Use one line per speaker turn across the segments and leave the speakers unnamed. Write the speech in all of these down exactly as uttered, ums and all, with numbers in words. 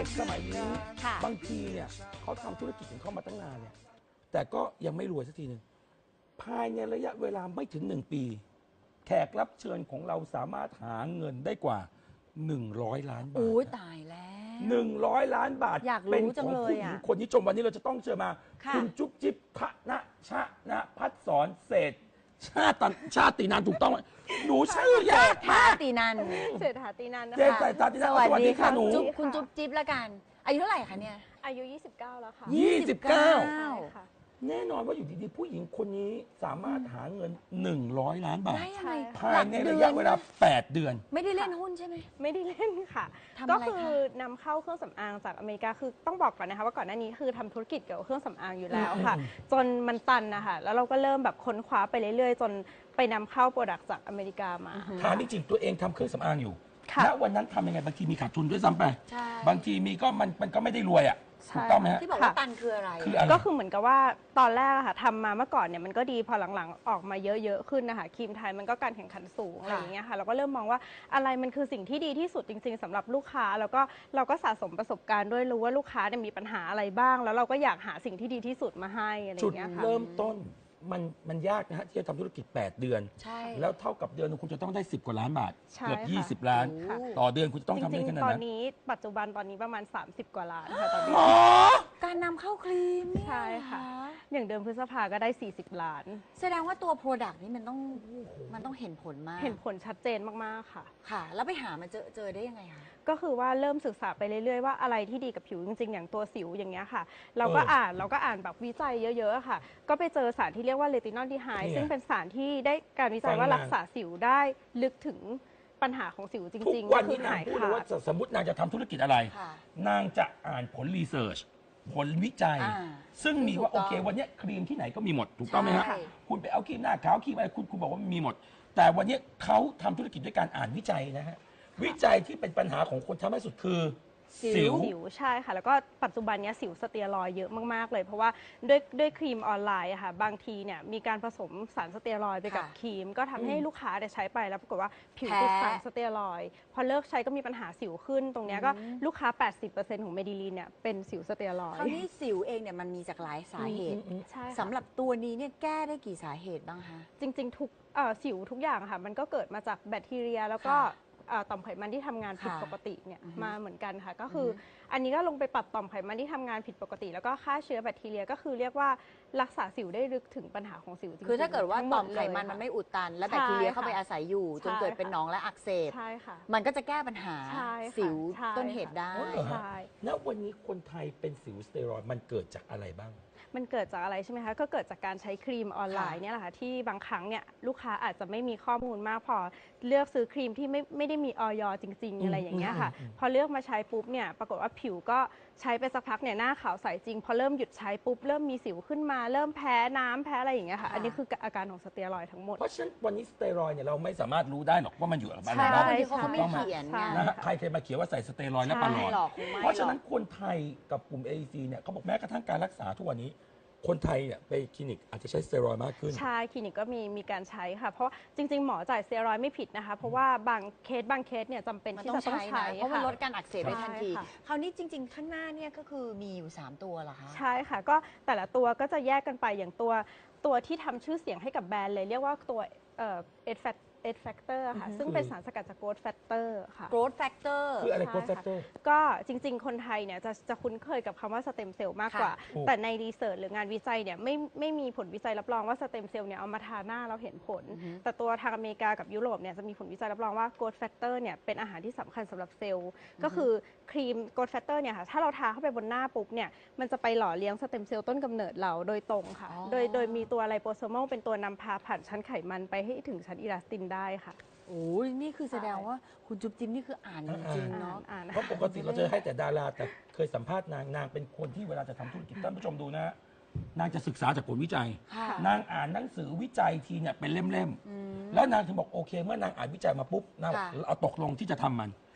ด็กสมัยนี้
ค่ะ
บางทีเนี่ยเขาทำธุรกิจของเขามาตั้งนานเนี่ยแต่ก็ยังไม่รวยสักทีหนึ่งภายในระยะเวลาไม่ถึงหนึ่งปี แขกรับเชิญของเราสามารถหาเงินได้กว่า หนึ่งร้อย ล้านบาท
อู้ตายแล้ว
หนึ่งร้อยล้านบาท
อยากรู้
เป็น
จัง
ของ
เลย
ผู้หญิง
อะ
คนนี้ชมวันนี้เราจะต้องเชิญมา
ค่ะ
ณจุ๊บจิ๊บธนะชะนะพัฒสอนเศรษฐชาติชาตินานถูกต้องไหมหนูชื่อยาก
ท่าม
าก
ตีนัน
เศรษฐาตีนันนะ
เจ๊
คะ
ใส่ตาติ
ส
นะ
วัส
สวัส
ดี
ดี
ค่ะ
ค่ะหนู
จุ๊บคุณจุ๊บจิ๊บละกัน อายุเท่าไหร่คะเนี่ย
อายุ ยี่สิบเก้า แล้วค่ะ
ยี่สิบเก้า
ใช่ค่ะ
แน่นอนว่าอยู่ดีๆ ผู้หญิงคนนี้สามารถหาเงิน หนึ่งร้อย ล้านบาท
ได้ยังไง
ภายในระยะเวลา แปด เดือน
ไม่ได้เล่นหุ้นใช่ไหม
ไม่ได้เล่นค่ะ
ทำอะไร
ก็
คะ
คือนำเข้าเครื่องสำอางจากอเมริกาคือต้องบอกก่อนนะคะว่าก่อนหน้านี้คือทำธุรกิจเกี่ยวกับเครื่องสำอางอยู่แล้วค่ะ
อืม
จนมันตันนะคะแล้วเราก็เริ่มแบบค้นคว้าไปเรื่อยๆ จนไปนำเข้าโปรดักต์จากอเมริกามา
ถามจริงๆตัวเองทำเครื่องสำอางอยู่
ค่ะ
ณวันนั้นทำยังไงบางทีมีขาดทุนด้วยซ้ำไป
ใช่
บางทีมีก็มันมันก็ไม่ได้รวยอ่ะ
ใช่
ถูกต้องไหมฮะ
ที่บอกว่าตันคืออะไร
คืออะไร
ก็คือเหมือนกับว่าตอนแรกอะค่ะทำมาเมื่อก่อนเนี่ยมันก็ดีพอหลังๆออกมาเยอะๆขึ้นนะคะครีมไทยมันก็การแข่งขันสูงอะไรอย่างเงี้ยค่ะเราก็เริ่มมองว่าอะไรมันคือสิ่งที่ดีที่สุดจริง ๆสำหรับลูกค้าแล้วก็เราก็สะสมประสบการณ์ด้วยรู้ว่าลูกค้าเนี่ยมีปัญหาอะไรบ้าง แล้วเราก็อยากหาสิ่งที่ดีที่สุดมาให้อะไรอ
จุด
ย่างเงี้ยค่ะ
เริ่มต้นมันมันยากนะฮะที่จะทำธุรกิจ แปด เดือน
ใช่
แล้วเท่ากับเดือนหนึงคุณจะต้องได้ สิบ กว่าล้านบาท
ใช่
เกือบ
ค่ะ
ยี่สิบ ล้าน
ค่ะ
ต่อเดือนคุณจะต้อง
จ
ทำได้
ริง
ขนาด
ๆ ตอน
นั้น
นี้ปัจจุบันตอนนี้ประมาณ สามสิบ กว่าล้านค่ะตอนนี้
อ๋อ
การนำเข้าครีมเนี่ย
ใช่ค่ะ อย่างเดิมพฤษภาก็ได้ สี่สิบ ล้าน
แสดงว่าตัว Product นี่มันต้องมันต้องเห็นผลมาก
เห็นผลชัดเจนมากๆค่ะ
ค่ะ แล้วไปหามาเจอเจอได้ยังไงคะ
ก็คือว่าเริ่มศึกษาไปเรื่อยๆว่าอะไรที่ดีกับผิวจริงๆ อย่างตัวสิวอย่างเงี้ยค่ะ เราก็
เอออ่
อ่านเราก็อ่านแบบวิจัยเยอะๆค่ะ ก็ไปเจอสารที่เรียกว่าเลตินอลดีไฮ
นี่ไง
ซึ่งเป็นสารที่ได้การวิจัย
ฟัง
ว่า
มา
รักษาสิวได้ลึกถึงปัญหาของสิวจ
ทุก
ริงๆ
วั
ก็
น
คื
นี้
อน
าง
หาย
พูดเลย
ขา
ว่า
ด
สมมตินางจะทำธุรกิจอะไร
ค่ะ
นางจะอ่านผลรีเสิร์ชผลวิจัย
อ่า
ซึ่งมีว่า
ถู
โอก
ต้อง
เควันเนี้ยครีมที่ไหนก็มีหมด ถูกต้องไหมฮะ
ใช่
คุณไปเอาครีมหน้าขาวครีมอะไรคุณคุณบอกว่ามันมีหมด แต่วันเนี้ยเขาทำธุรกิจด้วยการอ่านวิจัยนะฮะวิจัยที่เป็นปัญหาของคนทำให้สุดคือ สิว
สิวใช่ค่ะ แล้วก็ปัจจุบันเนี้ยสิวสเตียรอยด์เยอะมากๆเลย เพราะว่าด้วยด้วยครีมออนไลน์อะค่ะบางทีเนี่ยมีการผสมสารสเตียรอยด์ไปกับ
ค่ะ
ครีม ก็ทำให้ลูกค้าเนี่ยใช้ไปแล้วปรากฏว่าผิว
แพ้
ติดสารสเตียรอยด์พอเลิกใช้ก็มีปัญหาสิวขึ้น ตรงเนี้ยก็
อืม
ลูกค้า แปดสิบเปอร์เซ็นต์ ของเมดิลีนเนี่ยเป็นสิวสเตียรอย
คราว
ด์
นี้สิวเองเนี่ยมันมีจากหลายสาเหตุ
อืมอืม
ใช่ค่ะ
สำหรับตัวนี้เนี่ยแก้ได้กี่สาเหตุบ้างคะ
จริงๆทุกเอ่อสิวทุกอย่างค่ะมันก็เกิดมาจากแบคทีเรีย แล้วก็
ค่ะ
เอ่อต่อมไขมันที่ทำงานผิด
ค่ะ
ปกติเนี่ย
อือฮึ
มาเหมือนกันค่ะก็คืออ
อฮึ
อันนี้ก็ลงไปปรับต่อมไขมันที่ทำงานผิดปกติ แล้วก็ฆ่าเชื้อแบคทีเรียก็คือเรียกว่ารักษาสิวได้ลึกถึงปัญหาของสิวจริงๆ
คือถ้าเกิดว่า
ทั้งห
ต่
ม
อมไขมัน
เลย
มัน
ค่ะ
ไม่อุดตัน และ
ใช่
แบคทีเรียเข้า
ค่ะ
ไปอาศัยอยู่ จน
ใช่
เกิดเป็น
ค่ะ
หนองและอักเสบ
ใช่ค่ะ
มันก็จะแก้ปัญหา
ใช่ค่ะ
สิว
ใช่
ต้นเหตุได้
อ๋อเหรอฮะ
ใช่
ณวันนี้คนไทยเป็นสิวสเตียรอยด์มันเกิดจากอะไรบ้าง
มันเกิดจากอะไรใช่ไหมคะ ก็เกิดจากการใช้ครีมออนไลน์เนี่ยแหละค่ะที่บางครั้งเนี่ยลูกค้าอาจจะไม่มีข้อมูลมากพอเลือกซื้อครีมที่ไม่ไม่ได้มีออยจริง ๆ อะไรอย่างเงี้ยค่ะ
อืมอืมอืม
พอเลือกมาใช้ปุ๊บเนี่ยปรากฏว่าผิวก็ใช้ไปสักพักเนี่ยหน้าขาวใสจริง พอเริ่มหยุดใช้ปุ๊บเริ่มมีสิวขึ้นมา เริ่มแพ้น้ำแพ้อะไรอย่างเงี้ยค่ะ
ค่ะ
อันนี้คืออาการของสเตียรอยด์ทั้งหมด
เพราะฉะนั้นวันนี้สเตียรอยด์เนี่ยเราไม่สามารถรู้ได้หรอกว่ามันอยู่กับอะไร
ใช่
บ้าง
บางทีเขาก็ไม่
ต้องมา
เขียนไง
ใช่
นะฮะใครเคยมาเขียนว่าใส่สเตียรอยด์และปลาหลอ
ไม่
ด
หรอกคงไม่
เพราะฉะ
หร
นั้
อน ก
คนไทยกับกลุ่ม เอ ซี เนี่ยเขาบอกแม้กระทั่งการรักษาทุกวันนี้ คนไทยเนี่ยไปคลินิกอาจจะใช้สเตียรอยด์มากขึ้น
ใช่คลินิกก็มีมีการใช้ค่ะ เพราะจริง ๆ หมอจ่ายสเตียรอยด์ไม่ผิดนะคะ เพราะว่าบางเคสบางเคสเนี่ยจำเป็น
มัน
ที่
ต้อง
จะต้อง
ใช้
ใช้
นะเพราะมัน
ค่
ลดการอักเสบได้ทันที
ใช่ค่ะ
คราวนี้จริง ๆ ข้างหน้าเนี่ยก็คือมีอยู่ สาม ตัวเหรอคะ
ใช่ค่ะ ก็แต่ละตัวก็จะแยกกันไปอย่างตัวตัวที่ทำชื่อเสียงให้กับแบรนด์เลย เรียกว่าตัวเอ่อเอ็ดแฟกเอ็ดแฟกเตอร์ค่ะ
อือฮึ
ซึ่งเป็นสารสกัดจากโกรทแฟกเตอร์ค่ะ
growth factor
คืออะไร
ใช่
โกรทแฟ
ค่ะ
กเตอร์
ก็จริง ๆ คนไทยเนี่ยจะจะคุ้นเคยกับคำว่าสเต็มเซลล์มากกว่า
ค่ะถูก
แต่ในรีเสิร์ชหรืองานวิจัยเนี่ยไม่ไม่มีผลวิจัยรับรองว่าสเต็มเซลล์เนี่ยเอามาทาหน้าเราเห็นผล
อือฮึ
แต่ตัวทางอเมริกากับยุโรปเนี่ยจะมีผลวิจัยรับรองว่าโกรทแฟกเตอร์เนี่ยเป็นอาหารที่สำคัญสำหรับเซลล์ ก็คือครีมโกรทแฟกเตอร์เนี่ยค่ะถ้าเราทาเข้าไปบนหน้าปุ๊บเนี่ยมันจะไปหล่อเลี้ยงสเต็มเซลล์ต้นกำเนิดเราโดยตรงค่ะ
อ๋อ
โดยโดยมีตัวไลโปโซมอลเป็นตัวนำพาผ่านชั้นไขมันไปให้ถึงชั้นอิลาสตินได้ค่ะ
โอ้ยนี่คือแสดงว่าคุณจุ๊บจิ๊บนี่คืออ่านจริงๆ
อ่า
เนาะ
นอ่าน
เพราะปกติเราจะให้แต่ดาราแต่เคยสัมภาษณ์นางนางเป็นคนที่เวลาจะทำธุรกิจท่านผู้ชมดูนะฮะนางจะศึกษาจากผลวิจัย
ค่ะ
นางอ่านหนังสือวิจัยทีเนี่ยเป็นเล่มๆ แล้วนางถึงบอกโอเค เมื่อนางอ่านวิจัยมาปุ๊บนางบอก
ค่ะ
เอาตกลงที่จะทำมัน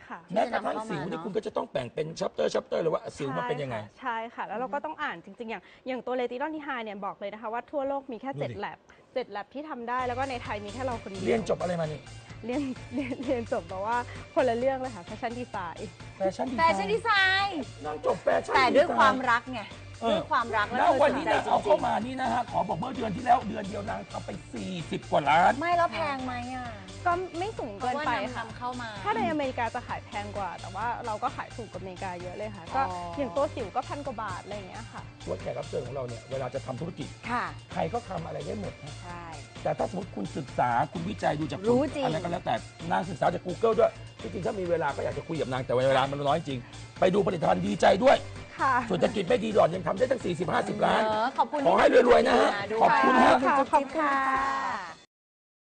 ค่ะ
แม้กระทั่งสิวนี่คุณก็จะต้องแบ่งเป็นชัปเตอร์ชัปเตอร์เลยว่าสิวมันเป็นยังไง
ใช่ค่ะ แล้วเราก็ต้องอ่านจริง ๆ อย่างอย่างตัวเลตินอลที่ไฮเนี่ยบอกเลยนะคะว่าทั่วโลกมีแค่
ดูดิ
เจ็ด แลบเจ็ดแลบที่ทำได้แล้วก็ในไทยมีแค่เราคนเดียว
เรียนจบอะไรมานี่
เรียนเรียนเรียนจบแบบว่าคนละเรื่องเลยค่ะแฟชั่นดีไซน์
แฟชั่นดี
แฟชั่นดีไซน์
นางจบแฟชั่น
แต่ด้วย
ไซน์
ความรักไง
เออ
ด้วยความรัก
แล้
แล้ว ว
วัน
เธอส
นี้
นใจ
นาง
จ
เอา
ริ
เข้าง มานี่นะฮะขอบอกเมื่อเดือนที่แล้วเดือนเดียวนางทำไปสี่สิบกว่าล้าน
ๆไม่แล้วแพงไหมอ่ะ
ก็ไม่สูง
เพ
เกิ
ราะ
น
ว่า
ไป
นำ
ค่ะ
นำเข้ามา
ถ้าในอเมริกาจะขายแพงกว่า แต่ว่าเราก็ขายถูกกว่าอเมริกาเยอะเลยค่ะ ก็
อ๋อ
อ
อ
ย่างตัวสิวก็พันกว่าบาทอะไรอย่างเงี้ยค่ะ
ว่าแขกรับเชิญของเราเนี่ยเวลาจะทำธุรกิจ
ค่ะ
ใครก็ทำอะไรได้หมดฮะ
ใช่
แต่ถ้าสมมติคุณศึกษาคุณวิจัยดูจาก
รู้จริง
อะไรก็แล้วแต่นางศึกษาจาก Google ด้วยที่จริงถ้ามีเวลาก็อยากจะคุยกับนางแต่เวลามันน้อยจริง ไปดูผลิตภัณฑ์ดีใจด้วย
ค่ะ
เศรษฐกิจไม่ดีหรอกยังทำได้ตั้ง สี่สิบ ห้าสิบ ล้าน
เออขอบคุณ
ขอให้รวยๆนะฮะ
ที่
ขอบคุณฮะ
ขอบคุณ
ขอบคุณ
ค่ะ
ค่ะ